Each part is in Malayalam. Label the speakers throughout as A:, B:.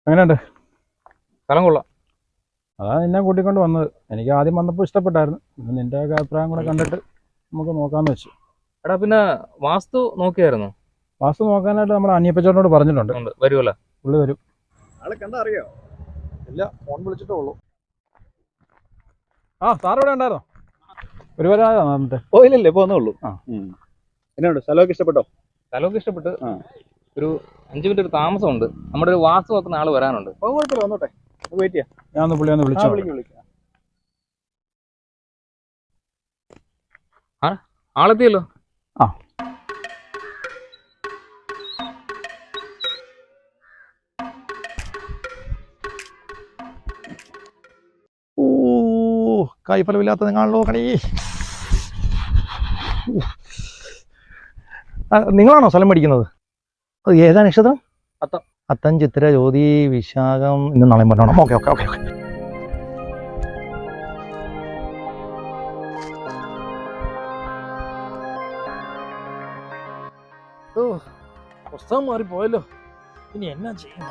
A: എങ്ങനെയുണ്ട്?
B: സ്ഥലം കൊള്ളാം.
A: അതാ നിന്നെ കൂട്ടിക്കൊണ്ട് വന്നത്. എനിക്ക് ആദ്യം വന്നപ്പോൾ ഇഷ്ടപ്പെട്ടായിരുന്നു. പിന്നെ നിന്റെ ഒക്കെ അഭിപ്രായം കൂടെ കണ്ടിട്ട് നമുക്ക് നോക്കാമെന്ന് വെച്ചു.
B: എടാ പിന്നെ വാസ്തു നോക്കിയായിരുന്നു?
A: വാസ്തു നോക്കാനായിട്ട് നമ്മുടെ അനിയപ്പച്ചോടനോട് പറഞ്ഞിട്ടുണ്ട്.
B: വരുമല്ലോ.
A: പുള്ളി വരും.
C: ആളെ കണ്ടാ അറിയോ?
A: ഇല്ല, ഫോൺ വിളിച്ചിട്ടേ ഉള്ളൂ. ആ, സാർ ഇവിടെ ഉണ്ടായിരുന്നോ? ഒരുപാടായോ വന്നിട്ട്?
C: ഓ ഇല്ലല്ലേ, ഇപ്പൊ വന്നേ ഉള്ളൂ. എന്നുണ്ട്, സ്ഥലമൊക്കെ ഇഷ്ടപ്പെട്ടോ?
B: സ്ഥലമൊക്കെ ഇഷ്ടപ്പെട്ട്. ഒരു 5 മിനിറ്റ് ഒരു താമസമുണ്ട്. നമ്മുടെ ഒരു വാസ്തു നോക്കുന്ന ആള് വരാനുണ്ട്.
C: കുഴപ്പമില്ല, വന്നോട്ടെ, വെയിറ്റ് ചെയ്യാം.
A: ഞാൻ ഒന്ന് പുള്ളിയെ ഒന്ന് വിളിച്ചോ.
C: വിളിക്കാം.
B: ആളെത്തിയല്ലോ.
A: ആ,
D: ഓ, കൈഫലമില്ലാത്ത നിങ്ങളോ കണി. നിങ്ങളാണോ സ്ഥലം മേടിക്കുന്നത്? അത് ഏതാ നക്ഷത്രം? അത്തം, ചിത്തിര, ജ്യോതി, വിശാഖം. ഇന്ന് നാളെ പറഞ്ഞോണം. Okay okay okay okay.
E: ഓ, പുസ്തകം മാറിപ്പോയല്ലോ. ഇനി എന്നാ ചെയ്യും?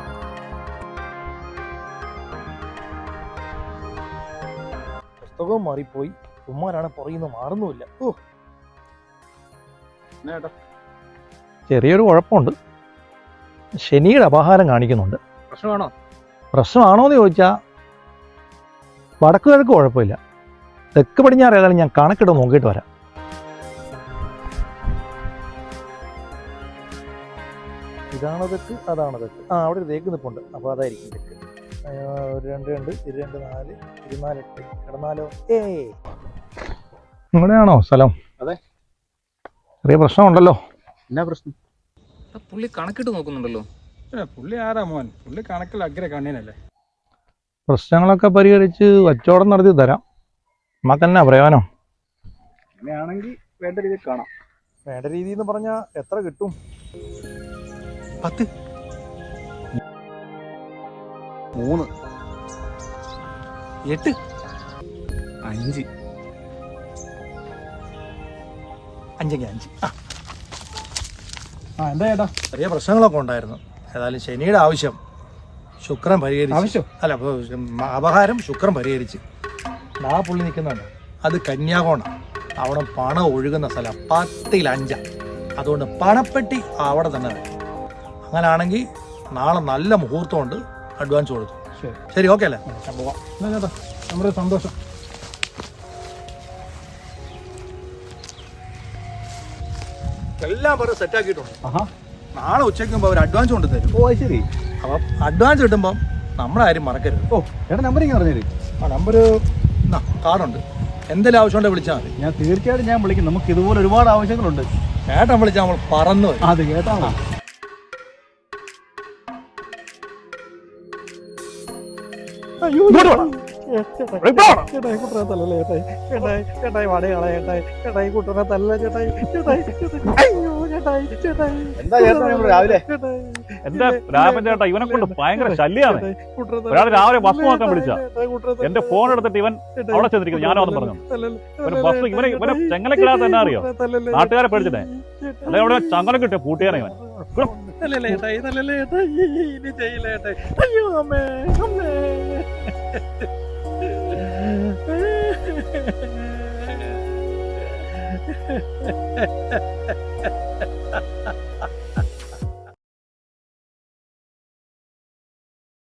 E: പുസ്തകവും മാറിപ്പോയി. ഉമ്മാരാണ് പുറയുന്ന മാറുന്നുമില്ല. ഓ,
D: ചെറിയൊരു കുഴപ്പമുണ്ട്. ശനിയുടെ അപഹാരം കാണിക്കുന്നുണ്ട്.
B: പ്രശ്നമാണോ?
D: പ്രശ്നമാണോ എന്ന് ചോദിച്ചാൽ വടക്ക് കിഴക്ക് കുഴപ്പമില്ല. തെക്ക് പടിഞ്ഞാറ് ഏതായാലും ഞാൻ കണക്കിട്ട് നോക്കിയിട്ട് വരാം.
E: ഇതാണ് തെക്ക്, അതാണ് തെക്ക്. ആ, അവിടെ ഒരു തേക്ക് നിൽപ്പുണ്ട്. അപ്പോൾ അതായിരിക്കും തെക്ക്. 2 2 2 4 24 8 കിടന്നാലോ?
D: ഇവിടെയാണോ സ്ഥലം?
C: അതെ.
D: ചെറിയ പ്രശ്നമുണ്ടല്ലോ.
C: എന്നാ പ്രശ്നം?
B: പുള്ളി കണക്കിട്ട് നോക്കുന്നുണ്ടല്ലോ.
A: പുള്ളി ആരാ മോൻ? പുള്ളി കണക്കിൽ അഗ്ര കണ്ണീനല്ലേ.
D: പ്രശ്നങ്ങളൊക്കെ പരിഹരിച്ച് കച്ചവടം നടത്തി തരാം. നമുക്കെന്നാ പ്രയോജനം?
C: അങ്ങനെയാണെങ്കിൽ വേണ്ട രീതിയിൽ കാണാം.
E: വേണ്ട രീതി എന്ന് പറഞ്ഞാൽ എത്ര കിട്ടും?
C: 10 3
E: 8
C: 5
E: 5 5.
A: ആ, എന്താ ചേട്ടാ?
E: ചെറിയ പ്രശ്നങ്ങളൊക്കെ ഉണ്ടായിരുന്നു. ഏതായാലും ശനിയുടെ ആവശ്യം ശുക്രൻ പരിഹരിച്ചു.
A: ആവശ്യം?
E: അല്ല, അപഹാരം ശുക്രൻ പരിഹരിച്ച്. ആ പുള്ളി നിൽക്കുന്നുണ്ട്, അത് കന്യാകോണാണ്. അവിടെ പണം ഒഴുകുന്ന സ്ഥലം 10ൽ 5. അതുകൊണ്ട് പണപ്പെട്ടി അവിടെ തന്നെ വേണം. അങ്ങനാണെങ്കിൽ നാളെ നല്ല മുഹൂർത്തമുണ്ട്. അഡ്വാൻസ് കൊടുത്തു. ശരി, ഓക്കെ അല്ലേ?
A: പോവാം. എന്നാ ചേട്ടാ, നമ്മുടെ സന്തോഷം.
E: എല്ലാം പറഞ്ഞ് സെറ്റാക്കിയിട്ടുണ്ട്.
A: ആഹാ,
E: നാളെ ഉച്ചയ്ക്ക് മുമ്പ് അവർ അഡ്വാൻസ് കൊണ്ട് തരും.
C: ഓ ശരി.
E: അപ്പം അഡ്വാൻസ് കിട്ടുമ്പം നമ്മുടെ കാര്യം മറക്കരുത്.
C: ഓ ചേട്ടാ, നമ്പർ ഇങ്ങനെ പറഞ്ഞേര്.
E: ആ നമ്പർ കാർഡുണ്ട്. എന്തെങ്കിലും ആവശ്യമുണ്ടെങ്കിൽ വിളിച്ചാൽ മതി.
C: ഞാൻ തീർച്ചയായിട്ടും ഞാൻ വിളിക്കും. നമുക്ക് ഇതുപോലെ ഒരുപാട് ആവശ്യങ്ങളുണ്ട്.
E: ഏട്ടൻ വിളിച്ചാൽ നമ്മൾ പറന്നു വരും.
C: അത് കേട്ടാ എന്താ ചേട്ടാ രാവിലെ?
F: എന്റെ രാമൻ ചേട്ടാ, ഇവനെ കൊണ്ട് ഭയങ്കര ശല്യാണ്. ഒരാൾ രാവിലെ ബസ് നോക്കാൻ വിളിച്ച എന്റെ ഫോൺ എടുത്തിട്ട് ഇവൻ അവിടെ ചെന്നിരിക്കുന്നു. ഞാനോ എന്ന് പറഞ്ഞു. ബസ് ഇവനെ ചെങ്ങലക്കിടാതെ തന്നെ അറിയോ? നാട്ടുകാരെ പേടിച്ചിട്ടേ. അല്ലെ അവിടെ ചങ്ങല കിട്ടിയ പൂട്ടിയാനെ ഇവൻ.